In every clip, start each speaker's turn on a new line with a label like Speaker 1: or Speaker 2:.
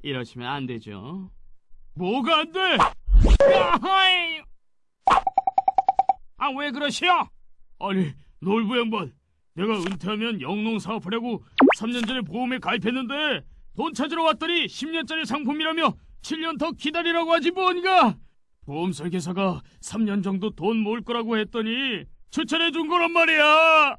Speaker 1: 이러시면 안 되죠.
Speaker 2: 뭐가 안 돼?
Speaker 1: 야하이! 아, 왜 그러시오?
Speaker 2: 아니, 놀부 양반, 내가 은퇴하면 영농 사업하려고 3년 전에 보험에 가입했는데 돈 찾으러 왔더니 10년짜리 상품이라며 7년 더 기다리라고 하지 뭔가. 보험 설계사가 3년 정도 돈 모을 거라고 했더니 추천해 준 거란 말이야.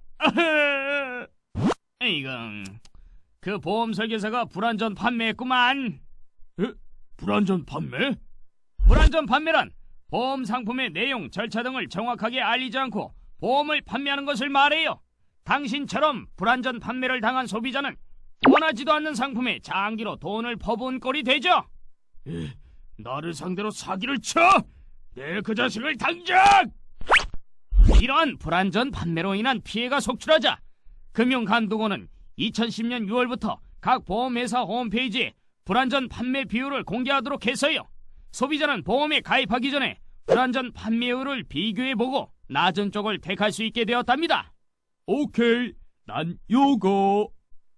Speaker 1: 이건 그 보험 설계사가 불완전 판매했구만.
Speaker 2: 에? 불완전 판매?
Speaker 1: 불완전 판매란 보험 상품의 내용, 절차 등을 정확하게 알리지 않고 보험을 판매하는 것을 말해요. 당신처럼 불완전 판매를 당한 소비자는 원하지도 않는 상품에 장기로 돈을 퍼부은 꼴이 되죠.
Speaker 2: 나를 상대로 사기를 쳐? 내 그 자식을 당장!
Speaker 1: 이러한 불완전 판매로 인한 피해가 속출하자 금융감독원은 2010년 6월부터 각 보험회사 홈페이지에 불완전 판매 비율을 공개하도록 해서요. 소비자는 보험에 가입하기 전에 불완전 판매율을 비교해보고 낮은 쪽을 택할 수 있게 되었답니다.
Speaker 2: 오케이, 난 요거.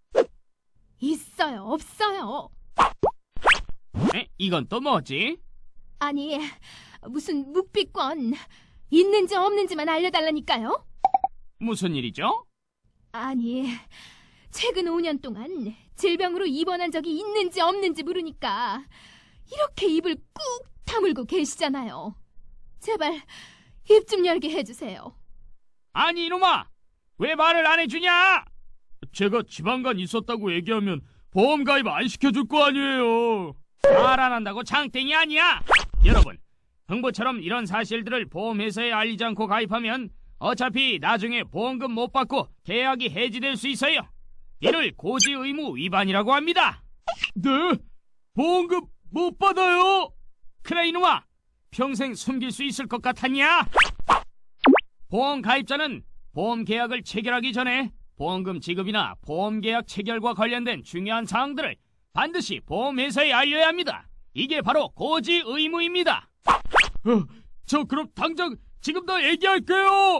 Speaker 3: 있어요, 없어요?
Speaker 1: 이건 또 뭐지?
Speaker 3: 아니, 무슨 묵비권 있는지 없는지만 알려달라니까요?
Speaker 1: 무슨 일이죠?
Speaker 3: 아니, 최근 5년 동안 질병으로 입원한 적이 있는지 없는지 물으니까 이렇게 입을 꾹 다물고 계시잖아요. 제발 입 좀 열게 해주세요.
Speaker 1: 아니 이놈아, 왜 말을 안 해주냐?
Speaker 2: 제가 지방간 있었다고 얘기하면 보험 가입 안 시켜줄 거 아니에요.
Speaker 1: 말 안 한다고 장땡이 아니야. 여러분, 흥부처럼 이런 사실들을 보험회사에 알리지 않고 가입하면 어차피 나중에 보험금 못 받고 계약이 해지될 수 있어요. 이를 고지 의무 위반이라고 합니다.
Speaker 2: 네? 보험금 못 받아요?
Speaker 1: 그래 이놈아, 평생 숨길 수 있을 것 같았냐? 보험 가입자는 보험 계약을 체결하기 전에 보험금 지급이나 보험 계약 체결과 관련된 중요한 사항들을 반드시 보험회사에 알려야 합니다. 이게 바로 고지 의무입니다.
Speaker 2: 저 그럼 당장 지금 다 얘기할게요.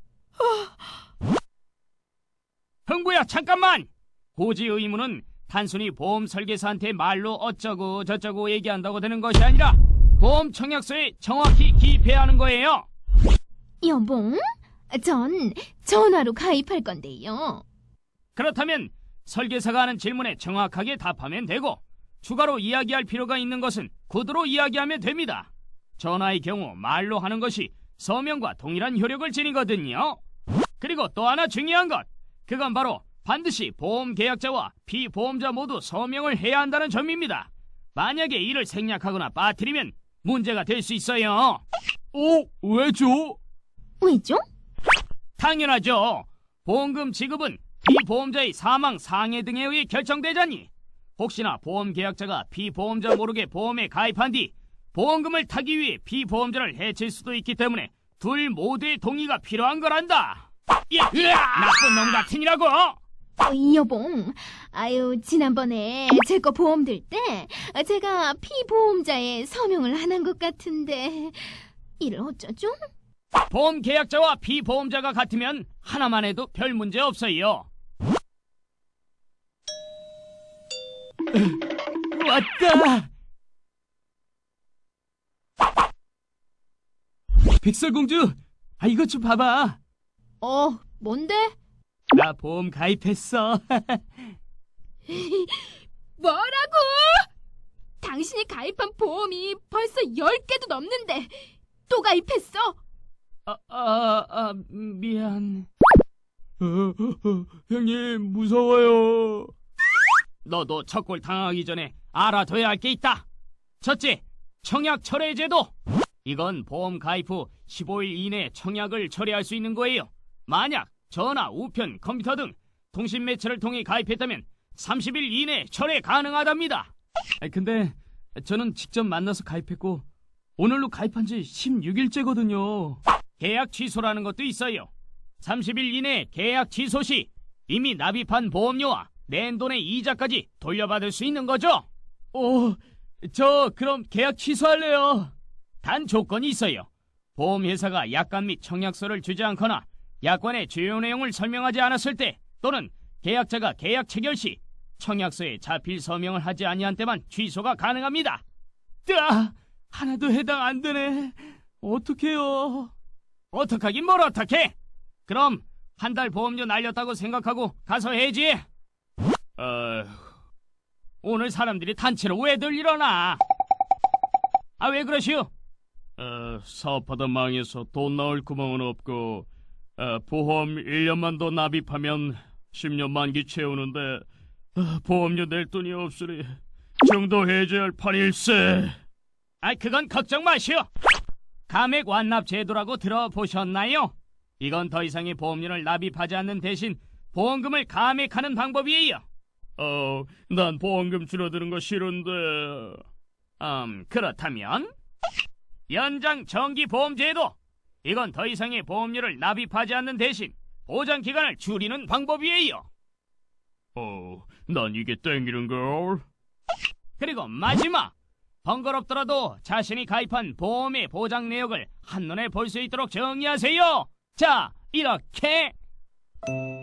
Speaker 1: 흥부야, 잠깐만. 고지 의무는 단순히 보험 설계사한테 말로 어쩌고 저쩌고 얘기한다고 되는 것이 아니라 보험 청약서에 정확히 기입해야 하는 거예요.
Speaker 3: 여봉, 전 전화로 가입할 건데요.
Speaker 1: 그렇다면 설계사가 하는 질문에 정확하게 답하면 되고, 추가로 이야기할 필요가 있는 것은 구두로 이야기하면 됩니다. 전화의 경우 말로 하는 것이 서명과 동일한 효력을 지니거든요. 그리고 또 하나 중요한 것, 그건 바로 반드시 보험 계약자와 피보험자 모두 서명을 해야 한다는 점입니다. 만약에 이를 생략하거나 빠뜨리면 문제가 될 수 있어요.
Speaker 2: 왜죠?
Speaker 3: 왜죠?
Speaker 1: 당연하죠. 보험금 지급은 피보험자의 사망, 상해 등에 의해 결정되자니 혹시나 보험 계약자가 피보험자 모르게 보험에 가입한 뒤 보험금을 타기 위해 피보험자를 해칠 수도 있기 때문에 둘 모두의 동의가 필요한 거란다. 나쁜 놈 같으니라고.
Speaker 3: 여봉, 지난번에 제 거 보험 들 때 제가 피보험자에 서명을 안 한 것 같은데 이를 어쩌죠?
Speaker 1: 보험 계약자와 피보험자가 같으면 하나만 해도 별 문제 없어요.
Speaker 2: 왔다. 백설공주, 이것 좀 봐봐.
Speaker 3: 뭔데?
Speaker 2: 나 보험 가입했어.
Speaker 3: 뭐라고? 당신이 가입한 보험이 벌써 10개도 넘는데 또 가입했어?
Speaker 2: 미안. 형님, 무서워요.
Speaker 1: 너도 첫골 당하기 전에 알아둬야 할 게 있다. 첫째, 청약 철회 제도. 이건 보험 가입 후 15일 이내에 청약을 철회할 수 있는 거예요. 만약 전화, 우편, 컴퓨터 등 통신 매체를 통해 가입했다면 30일 이내에 철회 가능하답니다.
Speaker 2: 근데 저는 직접 만나서 가입했고 오늘로 가입한 지 16일째거든요.
Speaker 1: 계약 취소라는 것도 있어요. 30일 이내에 계약 취소 시 이미 납입한 보험료와 낸 돈의 이자까지 돌려받을 수 있는 거죠.
Speaker 2: 저 그럼 계약 취소할래요.
Speaker 1: 단 조건이 있어요. 보험회사가 약관 및 청약서를 주지 않거나 약관의 주요 내용을 설명하지 않았을 때, 또는 계약자가 계약 체결 시 청약서에 자필 서명을 하지 아니한 때만 취소가 가능합니다.
Speaker 2: 하나도 해당 안 되네. 어떡해요?
Speaker 1: 어떡하긴 뭘 어떡해? 그럼 한 달 보험료 날렸다고 생각하고 가서 해지. 오늘 사람들이 단체로 왜들 일어나? 아, 왜 그러시오?
Speaker 2: 사업하다 망해서 돈 나올 구멍은 없고, 보험 1년만 더 납입하면 10년 만기 채우는데, 보험료 낼 돈이 없으니 정도 해줘야 할 판일세.
Speaker 1: 아, 그건 걱정 마시오. 감액 완납 제도라고 들어보셨나요? 이건 더 이상의 보험료를 납입하지 않는 대신 보험금을 감액하는 방법이에요.
Speaker 2: 난 보험금 줄어드는 거 싫은데.
Speaker 1: 그렇다면 연장 정기 보험 제도. 이건 더 이상의 보험료를 납입하지 않는 대신 보장 기간을 줄이는 방법이에요.
Speaker 2: 난 이게 땡기는걸.
Speaker 1: 그리고 마지막, 번거롭더라도 자신이 가입한 보험의 보장 내역을 한눈에 볼 수 있도록 정리하세요. 자, 이렇게